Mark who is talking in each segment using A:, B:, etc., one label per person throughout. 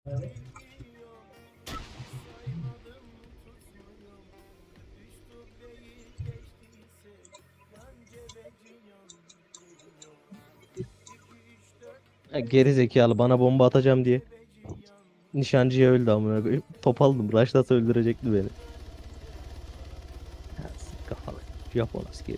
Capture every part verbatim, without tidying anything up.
A: Ya geri zekalı bana bomba atacağım diye. Nişancıya öldü amına koyayım. Top aldım. Raşlasa öldürecekti beni. Ha, sık kafalı. Japon askeri.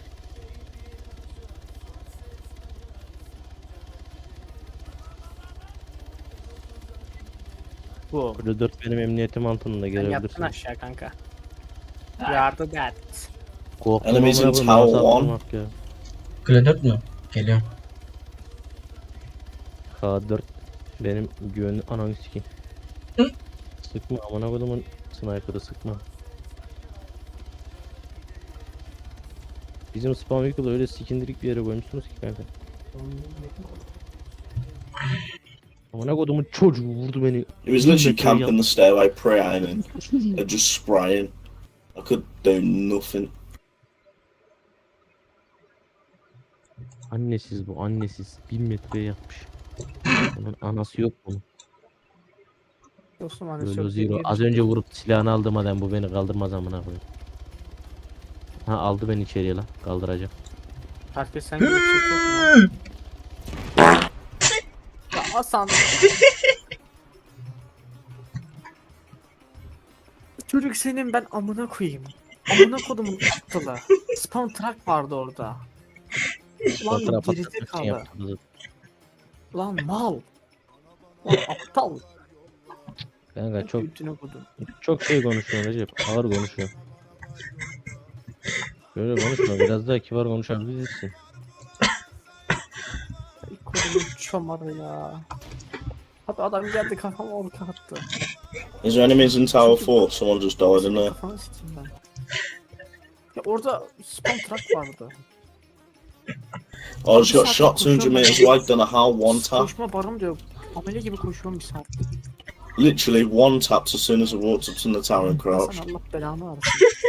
B: Bu.
A: Burada dört benim emniyetim altında
B: Sen yattın
A: gelebilirsin.
B: aşağı kanka. Yardı that.
A: Korktum
C: Enemies in
A: amına koyayım.
C: tower
A: Nasıl
C: one.
A: attırmak ya.
D: Kule dört mü? Geliyorum.
A: K dört benim güvenli ananı sikeyim. Sıkma amına koyduğumun sniper'ı sıkma. Bizim spam yükü öyle sikindirik bir yere koymuşsunuz ki kanka. Amına koyduğumun çocuğu vurdu beni.
C: He was literally camping the stairway, pre-aiming, and just spraying. I could do nothing.
A: Annesiz bu annesiz. Bin metreye yapmış. Bunun anası yok bunun.
B: Dostum hani
A: Böyle
B: çok
A: zero.
B: iyi
A: Az önce vurup silahını aldım adam bu beni kaldırmaz amına koyayım. Ha aldı beni içeriye lan kaldıracak.
B: Herkes sen gibi bir şey yok mu? Ya Hasan. Çocuk senin ben amına koyayım. Amına kodumun aptalı. Spam truck vardı orada. Lan
A: Fotoğraf atmak için
B: gerizekalı.
A: yaptım.
B: Lan mal. Lan aptal.
A: Kanka çok
B: Götüne kodum.
A: çok şey konuşuyorsun Recep. Ağır konuşuyorsun. Böyle konuşma biraz daha kibar konuşabilirsin.
B: Ay kodumun çomarı ya. Abi adam geldi kafama orta attı.
C: Is there enemies in tower four? Someone just died in there.
B: Kafanı sikeyim ben. Ya orada spam truck vardı.
C: I just got shot two hundred meters away, done a hell one tap.
B: Koşma barım diyor. Amele gibi koşuyorum bir saat.
C: Literally one tapped as soon as I walked up to the tower and crouched.
B: Hasan Allah belanı versin.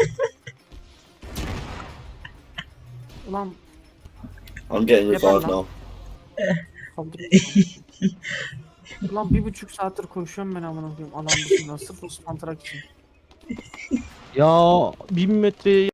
B: Ulan
C: I'm getting
B: Yapar
C: revived
B: lan.
C: now.
B: kaldırıyorum. Ulan bir buçuk saattir koşuyorum ben amına koyayım. Alan dışında sırf o spam truck için.
A: Ya bin metreye